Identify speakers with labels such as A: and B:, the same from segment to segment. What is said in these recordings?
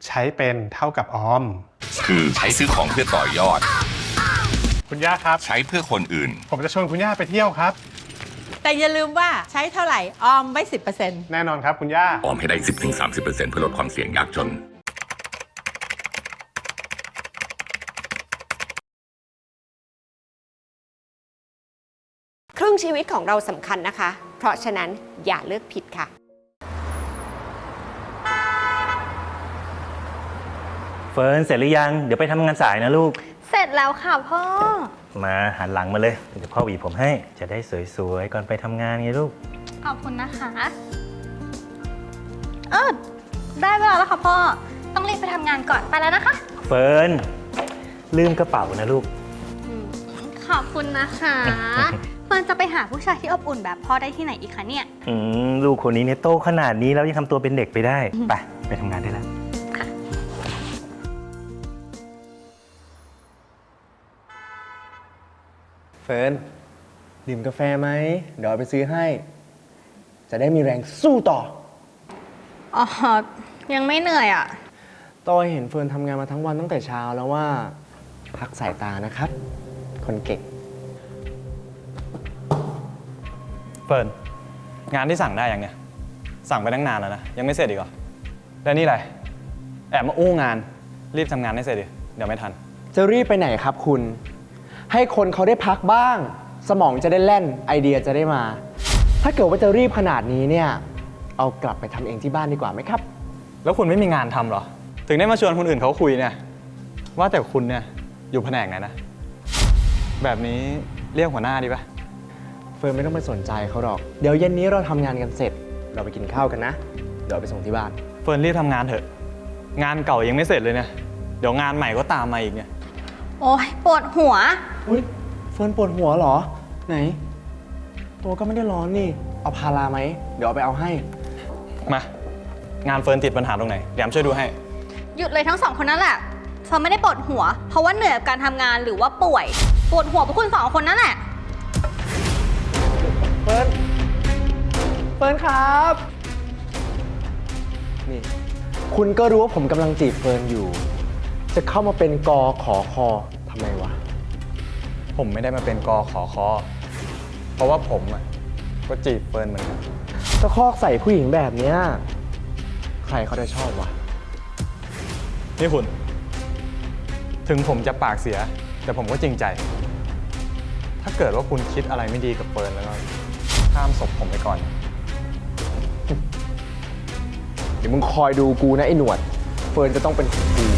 A: ใช้เป็นเท่ากับออม
B: คือใช้ซื้อของเพื่อต่อยอด
A: คุณย่าครับ
B: ใช้เพื่อคนอื่น
A: ผมจะชวนคุณย่าไปเที่ยวครับ
C: แต่อย่าลืมว่าใช้เท่าไหร่ออมไว้ 10%
A: แน่นอนครับคุณย่า
B: ออมให้ได้ 10-30% เพื่อลดความเสี่ยงยากจน
D: ครึ่งชีวิตของเราสำคัญนะคะ เพราะฉะนั้นอย่าเลือกผิดค่ะ
E: เฟิร์นเสร็จหรือยังเดี๋ยวไปทำงานสายนะลูก
F: เสร็จแล้วค่ะพ่อ
E: มาหันหลังมาเลยเดี๋ยวพ่อหวีผมให้จะได้สวยๆก่อนไปทำงานไงลูก
F: ขอบคุณนะคะได้เวลาแล้วค่ะพ่อต้องรีบไปทำงานก่อนไปแล้วนะคะ
E: เฟิร์นลืมกระเป๋านะลูก
F: ขอบคุณนะคะเฟิร์นจะไปหาผู้ชายที่อบอุ่นแบบพ่อได้ที่ไหนอีกคะเนี่ย
E: ลูกคนนี้เนี่ยโตขนาดนี้แล้วยังทำตัวเป็นเด็กไปได้ไปทำงานได้แล้ว
G: เฟิร์นดื่มกาแฟไหมเดี๋ยวไปซื้อให้จะได้มีแรงสู้ต่อ
F: ยังไม่เหนื่อยอ่ะ
G: ต้อยเห็นเฟิร์นทำงานมาทั้งวันตั้งแต่เช้าแล้วว่าพักสายตานะครับคนเก่ง
H: เฟิร์นงานที่สั่งได้ยังเนี่ยสั่งไปตั้งนานแล้วนะยังไม่เสร็จอีกเหรอแล้วนี่อะไรแอบมาอู้งานรีบทำงานให้เสร็จดิเดี๋ยวไม่ทัน
G: จะรีบไปไหนครับคุณให้คนเขาได้พักบ้างสมองจะได้แล่นไอเดียจะได้มาถ้าเกิดว่าจะรีบขนาดนี้เนี่ยเอากลับไปทำเองที่บ้านดีกว่าไหมครับ
H: แล้วคุณไม่มีงานทำเหรอถึงได้มาชวนคนอื่นเขาคุยเนี่ยว่าแต่คุณเนี่ยอยู่แผนกไหนนะแบบนี้เรียกหัวหน้าดีปะ
G: เฟิร์นไม่ต้องไปสนใจเขาหรอกเดี๋ยวเย็นนี้เราทำงานกันเสร็จเราไปกินข้าวกันนะเดี๋ยวไปส่งที่บ้าน
H: เฟิร์นรีบทำงานเถอะงานเก่ายังไม่เสร็จเลยเนี่ยเดี๋ยวงานใหม่ก็ตามมาอีกเนี่ย
F: โอ๊ยปวดหัว
G: เฟิร์นปวดหัวเหรอไหนตัวก็ไม่ได้ร้อนนี่เอาพาราไหมเดี๋ยวเอาไปเอาให้
H: มางานเฟิร์นติดปัญหาตรงไหนเดี๋ยวช่วยดูให้
F: หยุดเลยทั้งสองคนนั่นแหละเฟิร์นไม่ได้ปวดหัวเพราะว่าเหนื่อยกับการทำงานหรือว่าป่วยปวดหัวเพราะคุณสองคนนั่นแหละ
G: เฟิร์นครับนี่คุณก็รู้ว่าผมกำลังจีบเฟิร์นอยู่จะเข้ามาเป็นกขอคอทำไมวะ
H: ผมไม่ได้มาเป็นกขอคอเพราะว่าผมก็จีบเฟิร์นเหมือนกัน
G: ตะคอกใส่ผู้หญิงแบบเนี้ยใครเขาจะชอบวะ
H: นี่คุณถึงผมจะปากเสียแต่ผมก็จริงใจถ้าเกิดว่าคุณคิดอะไรไม่ดีกับเฟิร์นแล้วก็ข้ามศพผมไปก่อน
G: เดี๋ยวมึงคอยดูกูนะไอ้หนวดเฟิร์นจะต้องเป็นของกู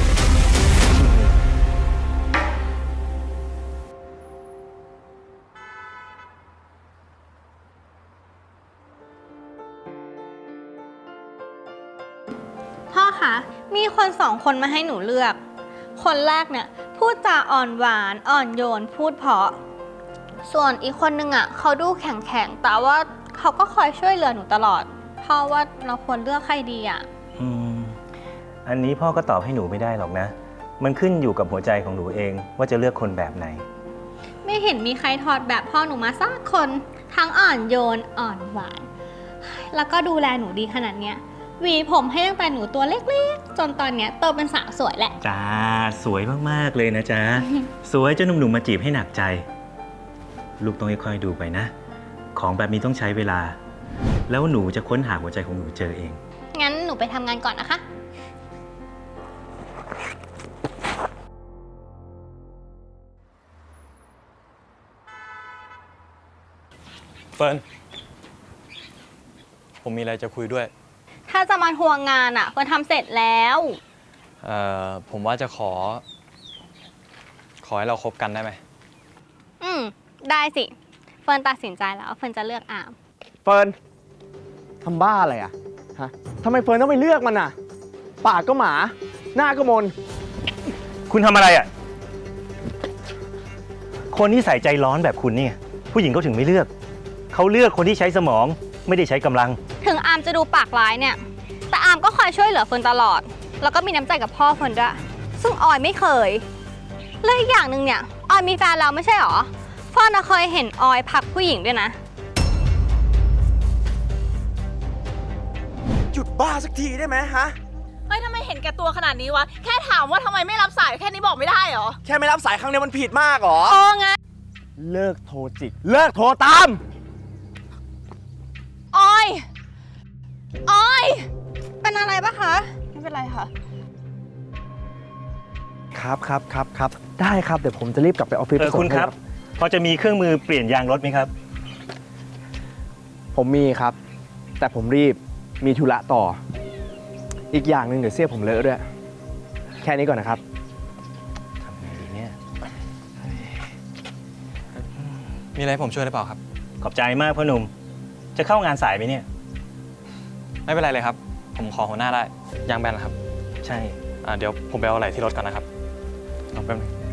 F: พ่อคะมีคนสองคนมาให้หนูเลือกคนแรกเนี่ยพูดจาอ่อนหวานอ่อนโยนพูดเพราะส่วนอีกคนนึงเขาดูแข็งแต่ว่าเขาก็คอยช่วยเหลือหนูตลอดพ่อว่าเราควรเลือกใครดี
E: อันนี้พ่อก็ตอบให้หนูไม่ได้หรอกนะมันขึ้นอยู่กับหัวใจของหนูเองว่าจะเลือกคนแบบไหน
F: ไม่เห็นมีใครถอดแบบพ่อหนูมาสักคนทั้งอ่อนโยนอ่อนหวานแล้วก็ดูแลหนูดีขนาดเนี้ยหวีผมให้ตั้งแต่หนูตัวเล็กๆจนตอนเนี้ยโตเป็นสาวสวยแหละ
E: จ้าสวยมากๆเลยนะจ๊ะ สวยจนหนุ่มๆมาจีบให้หนักใจลูกต้องค่อยๆดูไปนะของแบบนี้ต้องใช้เวลาแล้วหนูจะค้นหาหัวใจของหนูเจอเอง
F: งั้นหนูไปทำงานก่อนนะคะ
H: เฟิร์นผมมีอะไรจะคุยด้วย
F: ถ้าจะมาทวงงานเฟิร์นทำเสร็จแล้ว
H: ผมว่าจะขอให้เราคบกันได้ไหม
F: ได้สิเฟิร์นตัดสินใจแล้วเฟิร์นจะเลือกอาม
G: เฟิร์นทำบ้าอะไรฮะทำไมเฟิร์นต้องไปเลือกมันปากก็หมาหน้าก็มน
E: คุณทำอะไรคนที่ใส่ใจร้อนแบบคุณนี่ผู้หญิงเขาถึงไม่เลือกเขาเลือกคนที่ใช้สมองไม่ได้ใช้กำลัง
F: ถึงอามจะดูปากร้ายเนี่ยแต่อามก็คอยช่วยเหลือเฟิร์นตลอดแล้วก็มีน้ำใจกับพ่อเฟิร์นด้วยซึ่งออยไม่เคยและอีกอย่างหนึ่งเนี่ยออยมีแฟนแล้วไม่ใช่หรอเฟิร์นเคยเห็นออยพักผู้หญิงด้วยนะ
G: หยุดบ้าสักทีได้ไหมฮะ
I: ฮ้ยทำไมเห็นแก่ตัวขนาดนี้วะ แค่ถามว่าทำไมไม่รับสายแค่นี้บอกไม่ได้เหรอ
G: แค่ไม่รับสายครั้งเดียวมันผิดมากเหรอ
I: ไง
G: เลิกโทรจิก เลิกโทรตาม
I: ออย
F: เป็นอะไรปะคะ
I: ไม่เป็นไรค่ะ
G: ครับ ได้ครับ เดี๋ยวผมจะรีบกลับไปออฟฟิศไปส่ง
E: คุณครับ
G: ให้
E: พอจะมีเครื่องมือเปลี่ยนยางรถไหมครับ
G: ผมมีครับ แต่ผมรีบ มีธุระต่อ อีกอย่างหนึ่งเดี๋ยวเสื้อผมเลอะด้วย แค่นี้ก่อนนะครับ
E: ทำไงดีเนี่ย
H: มีอะไรให้ผมช่วยหรือเปล่าครับ
E: ขอบใจมากพ่อหนุ่ม จะเข้างานสายไหมเนี่ย
H: ไม่เป็นไรเลยครับ ผมขอหัวหน้าได้ยางแบนเหรอครับ
E: ใช่
H: เดี๋ยวผมไปเอาอะไรที่รถก่อนนะครับเอาแป๊บนึง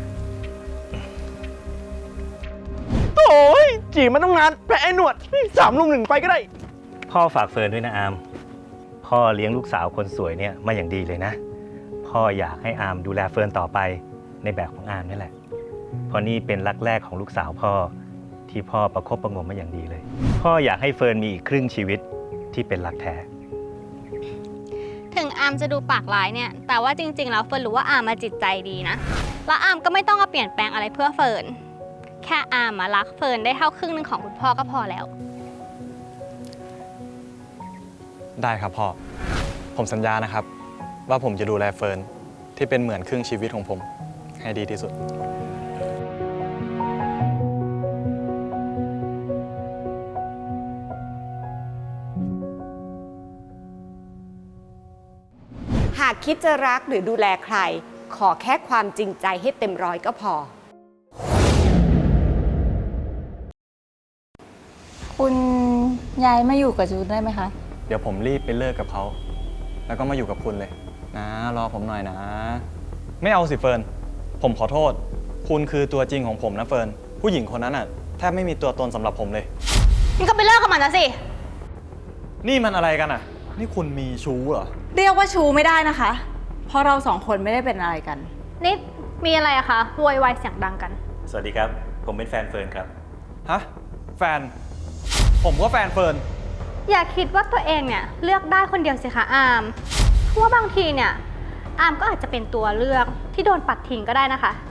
G: โอ้ยจีบมันต้องนานแพ้ไอ้หนวด3 ลุม 1ไปก็ได้
E: พ่อฝากเฟิร์นด้วยนะอาม พ่อเลี้ยงลูกสาวคนสวยเนี่ยมาอย่างดีเลยนะ พ่ออยากให้อามดูแลเฟิร์นต่อไปในแบบของอามนี่แหละ เพราะนี่เป็นรักแรกของลูกสาวพ่อที่พ่อประคบประหงมมาอย่างดีเลย พ่ออยากให้เฟิร์นมีอีกครึ่งชีวิตที่เป็นรักแท้
F: ถึงอามจะดูปากร้ายเนี่ย แต่ว่าจริงๆแล้วเฟิร์นรู้ว่าอามมาจิตใจดีนะ แล้วอามก็ไม่ต้องมาเปลี่ยนแปลงอะไรเพื่อเฟิร์น แค่อามมารักเฟิร์นได้เท่าครึ่งหนึงของคุณพ่อก็พอแล้ว
H: ได้ครับพ่อ ผมสัญญานะครับ ว่าผมจะดูแลเฟิร์นที่เป็นเหมือนครึ่งชีวิตของผม ให้ดีที่สุด
D: หากคิดจะรักหรือดูแลใคร ขอแค่ความจริงใจให้เต็มร้อยก็พอ
J: คุณย้ายมาอยู่กับจูนได้ไหมคะ
H: เดี๋ยวผมรีบไปเลิกกับเขา แล้วก็มาอยู่กับคุณเลย นะ รอผมหน่อยนะ ไม่เอาสิเฟิร์น ผมขอโทษ คุณคือตัวจริงของผมนะเฟิร์น ผู้หญิงคนนั้นน่ะแทบไม่มีตัวตนสำหรับผมเลย
F: นี่ก็ไปเลิกกับมันนะสิ
H: นี่มันอะไรกันอ่ะ นี่คุณมีชู้เหรอ
J: เรียกว่าชูไม่ได้นะคะ เพราะเราสองคนไม่ได้เป็นอะไรกัน
F: นี่มีอะไรอะคะโวยวายเสียงดังกัน
E: สวัสดีครับ ผมเป็นแฟนเฟิร์นครับ
H: ฮะ แฟน ผมก็แฟนเฟิร์น
F: อย่าคิดว่าตัวเองเนี่ยเลือกได้คนเดียวสิคะอามเพราะว่าบางทีเนี่ยอามก็อาจจะเป็นตัวเลือกที่โดนปัดทิ้งก็ได้นะคะ